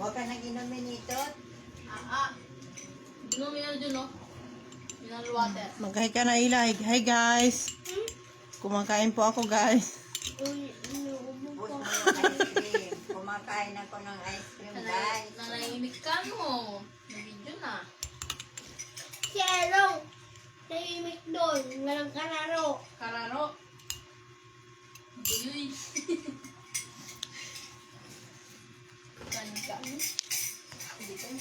Huwag ka nang inumin ito. Inumin na dyan, no? Mineral water. Mag-hi ka na, Ila. Hi, guys. Kumakain po ako, guys. Bus mo yung ice cream. Kumakain ako ng ice cream, guys. Nanahimik ka, no? May video na. Si Erong, tahimik doon. Walang kararo. Kararo. Buyoy. Kanin ka. Hindi ka.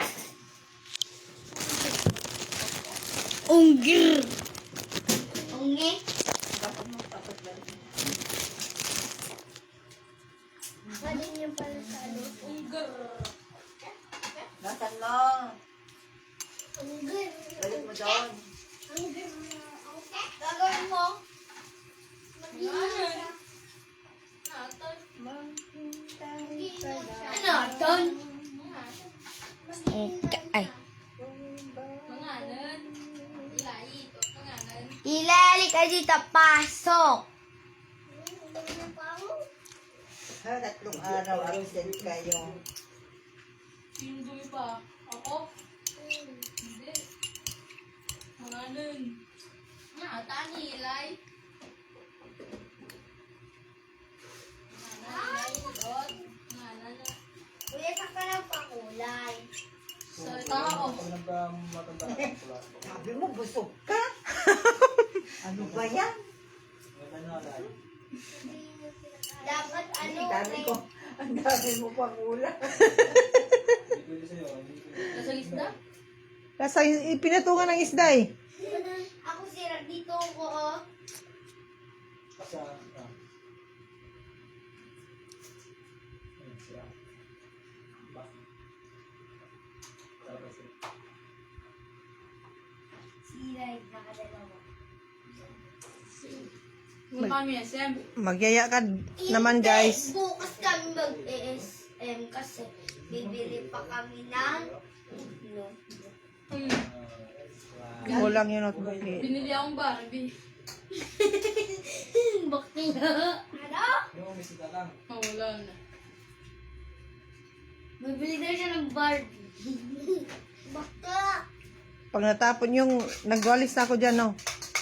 Unggir. Ungge. Tapos mo, tapos ba? Pwede niyo pala sa ano? Unggar. Nasaan mo? Unggir. Balik mo doon. Unggir. Gagawin mo. Ano? Natay. Ano, Ton? Ay. Mangalan. Ilay. Ito. Mangalan. Ilalik ka dito. Pasok. Ha, 3 araw absent kayo. Sino dumi pa? Ako? Hindi. Mangalan. Tani, ilay. Mangalan. Mangalan na. Kuya, saka ng pakulay. Salita ako. Sabi mo, busog ka? Ano ba yan? Dapat ano, Ang dami ko. Ang dami mo pang ulam. Nasa lista? Nasa pinatungan ng isda eh. Ako sira dito ko, oh. Sira, nakadalawa. Kung kami SM. Magyaya ka naman, guys. Hindi, bukas kami mag-ESM kasi bibili pa kami ng no. Kulang yung notebook eh. Binili akong Barbie. Bakla. Ano? Oh, wala na. Bibili na siya ng Barbie. Bakla. Pag natapon yung, nagwalis na ako dyan, no?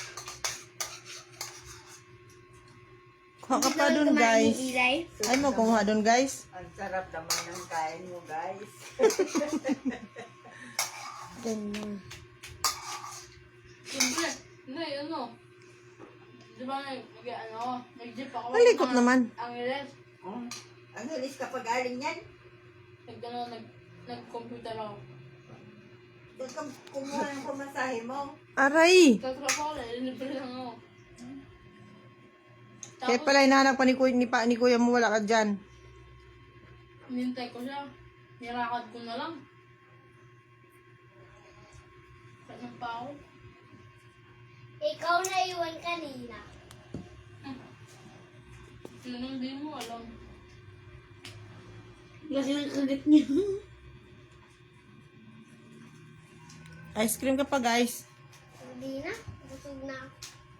Kuha ka pa dun, guys. Ay mo, kumuha dun, guys. Ang sarap naman ng kain mo, guys. Ganyan. Siyempre. Hindi, ano? Di ba nag-jeep ako? Malikot naman. Ang iles. Ang hilis ka pag-aling yan. Nag-computer ako. Doon ka kumuha ng pamasahe mo. Aray! Tatrapo ako, libre lang ako. Kaya pala hinahanap pa ni kuya mo, wala ka dyan. Nintay ko siya. Nirakad ko na lang. Saan pa ako? Ikaw na iwan kanina. Sino hindi mo alam? Kasi nakagat niya. Ice cream ka pa, guys. Hindi na. Busog na.